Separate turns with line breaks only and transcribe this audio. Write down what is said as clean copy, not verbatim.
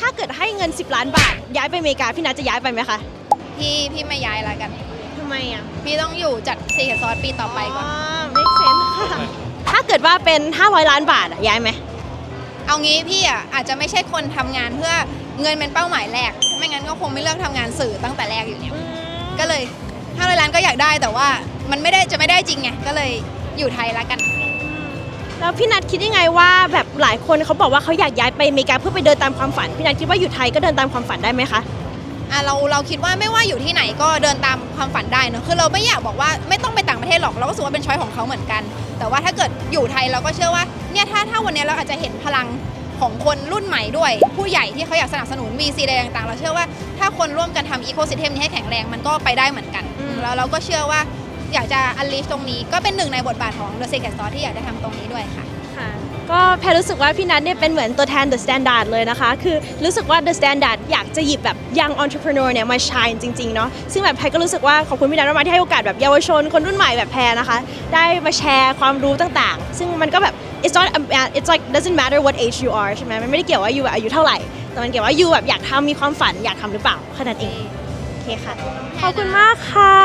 ถ้าเกิดให้เงิน10 ล้านบาทย้ายไปอเมริกาพี่นัทจะย้ายไปไหมคะ
พี่ไม่ย้ายละกัน
ทำไมอ่ะ
พี่ต้องอยู่จัดซีเคซอสปีต่อไปก่อน
make sense ค่ะถ้าเกิดว่าเป็น500 ล้านบาทย้ายไหม
เอางี้พี่อ่ะอาจจะไม่ใช่คนทำงานเพื่อเงินเป็นเป้าหมายแรกไม่งั้นก็คงไม่เลือกทำงานสื่อตั้งแต่แรกอยู่แล้วก็เลย500 ล้านก็อยากได้แต่ว่ามันไม่ได้จริงไงก็เลยอยู่ไทยละกัน
แล้วพี่นัทคิดยังไงว่าแบบหลายคนเขาบอกว่าเขาอยากย้ายไปอเมริกาเพื่อไปเดินตามความฝันพี่นัทคิดว่าอยู่ไทยก็เดินตามความฝันได้ไหมคะ
เราคิดว่าไม่ว่าอยู่ที่ไหนก็เดินตามความฝันได้เนอะคือเราไม่อยากบอกว่าไม่ต้องไปต่างประเทศหรอกเราก็รู้สึกว่าเป็นช้อยของเขาเหมือนกันแต่ว่าถ้าเกิดอยู่ไทยเราก็เชื่อว่าเนี่ยถ้าวันนี้เราอาจจะเห็นพลังของคนรุ่นใหม่ด้วยผู้ใหญ่ที่เขาอยากสนับสนุน VC อะไรต่างๆเราเชื่อว่าถ้าคนร่วมกันทำอีโคซิสเต็มนี้ให้แข็งแรงมันก็ไปได้เหมือนกันแล้วเราก็เชื่อว่าอยากจะอันลีฟตรงนี้ก็เป็นหนึ่งในบทบาทของ The Secret Sauce ที่อยากจะทำตรงนี้ด้วยค่ะ
ก็แพรรู้สึกว่าพี่นัทเนี่ยเป็นเหมือนตัวแทน The Standard เลยนะคะคือรู้สึกว่า The Standard อยากจะหยิบแบบ young entrepreneur เนี่ยมา shine จริงๆเนาะซึ่งแบบแพรก็รู้สึกว่าขอบคุณพี่นัทมากๆที่ให้โอกาสแบบเยาวชนคนรุ่นใหม่แบบแพรนะคะได้มาแชร์ความรู้ต่างๆซึ่งมันก็แบบ it's like doesn't matter what age you are ใช่ไหมมันไม่ได้เกี่ยวว่าอยู่อายุเท่าไหร่แต่มันเกี่ยวว่าอยู่แบบอยากทำมีความฝันอยากทำหรือเปล่าแค่นั้นเองโอเคค่ะขอบคุณมากค่ะ